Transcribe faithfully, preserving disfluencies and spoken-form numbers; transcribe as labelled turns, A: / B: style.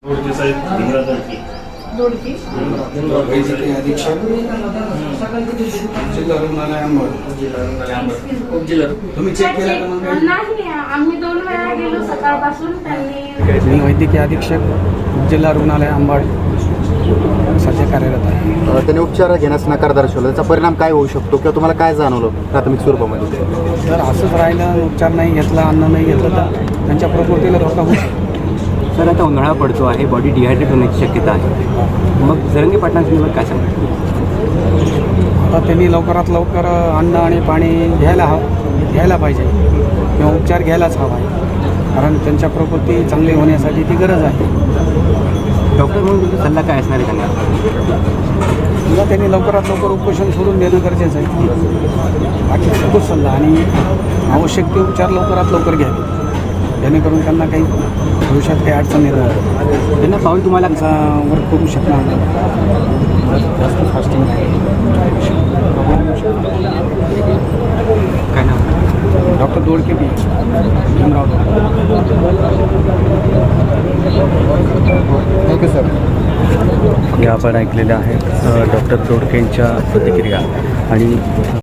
A: दोडके साहेब भीमराव दोडके
B: दोडके
C: वैद्यकीय अधीक्षक जिल्हा रुग्णालय अंबड तुम्ही चेक केला का मग?
B: नाही, आम्ही दोन वेळा गेलो सकाळपासून. त्यांनी
C: मी वैद्यकीय अधीक्षक जिल्हा रुग्णालय अंबड सध्या कार्यरत आहे.
D: त्याने उपचार घेण्यास नकार दर्शवला, त्याचा परिणाम काय होऊ शकतो किंवा तुम्हाला काय जाणवलं प्राथमिक स्वरूपामध्ये?
C: जर असंच राहिलं, उपचार नाही घेतला, अन्न नाही घेतलं तर त्यांच्या प्रकृतीला धोका होऊ शकतो.
E: सर, आता उन्हाळा पडतो आहे, बॉडी डिहायड्रेट होण्याची शक्यता आहे. मग जरंगे पाटलांसंदर्भात काय सांगतो?
C: आता त्यांनी लवकरात लवकर अन्न आणि पाणी घ्यायला हवं घ्यायला पाहिजे किंवा उपचार घ्यायलाच हवा आहे, कारण त्यांच्या प्रकृती चांगली होण्यासाठी ती गरज आहे.
E: डॉक्टर म्हणून तुमचा सल्ला काय असणार आहे त्यांना?
C: किंवा त्यांनी लवकरात लवकर उपोषण सोडून देणं गरजेचं आहे. बाकी खूपच सल्ला आणि आवश्यक ते उपचार लवकरात लवकर घ्यावे, जेणेकरून त्यांना काही भविष्यात काही अडचण निर्माण होईल.
E: त्यांना पाहून तुम्हाला
C: वर्क करू शकणार नाही, जास्त फास्टिंग
E: काय नाव?
C: Doctor Dodke B Bhimrao
D: okay sir.
F: हे आपण ऐकलेले आहेत डॉक्टर दोडकेंच्या प्रतिक्रिया. आणि